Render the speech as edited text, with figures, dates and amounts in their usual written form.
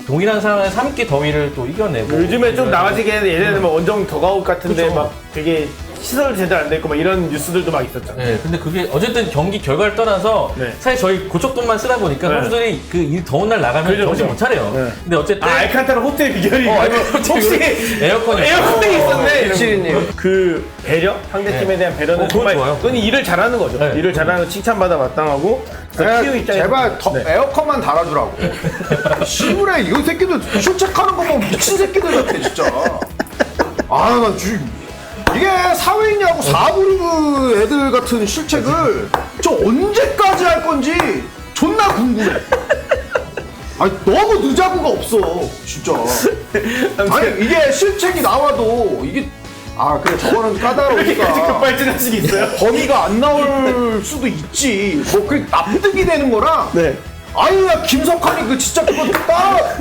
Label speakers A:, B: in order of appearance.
A: 동일한 상황에 3기 더위를 또 이겨내고
B: 요즘에 좀 나아지긴 했는데 예전에는 뭐 원정 더가웃 같은데
A: 그쵸.
B: 막 되게 시설 제대로 안 됐고 막 이런 뉴스들도 막 있었잖아요.
A: 네, 근데 그게 어쨌든 경기 결과를 떠나서
B: 네.
A: 사실 저희 고척돈만 쓰다 보니까
B: 네.
A: 선수들이 그 이 더운 날 나가면
B: 그죠,
A: 정신
B: 그죠.
A: 못 차려요.
B: 네.
A: 근데 어쨌든
B: 알칸타라 호텔 비결이 혹시
A: 에어컨이
B: 에어컨이 있었네.
C: 일치리님.
B: 그 배려? 상대팀에
A: 네.
B: 대한 배려는
A: 그건
B: 정말
A: 좋아요.
B: 그건 일을 잘하는 거죠.
A: 네.
B: 일을 잘하는 칭찬받아 마땅하고 그래서 키우 입장에서
C: 제발
B: 네.
C: 에어컨만 달아주라고. 시골에 이 새끼들 출첵하는 거 보면 미친 새끼들 같아 진짜. 나 지금 이게 사회인야구 4부 리그 애들 같은 실책을 저 언제까지 할 건지 존나 궁금해. 아니 너무 늦자구가 없어 진짜. 아니 이게 실책이 나와도 이게 그래 저거는
B: 이렇게까지
C: 까다로우니까
B: 급발진하신 게 있어요?
C: 범위가 안 나올 수도 있지. 뭐 그 납득이 되는 거랑
B: 네.
C: 아유 야 김석환이 그 진짜 그거 딱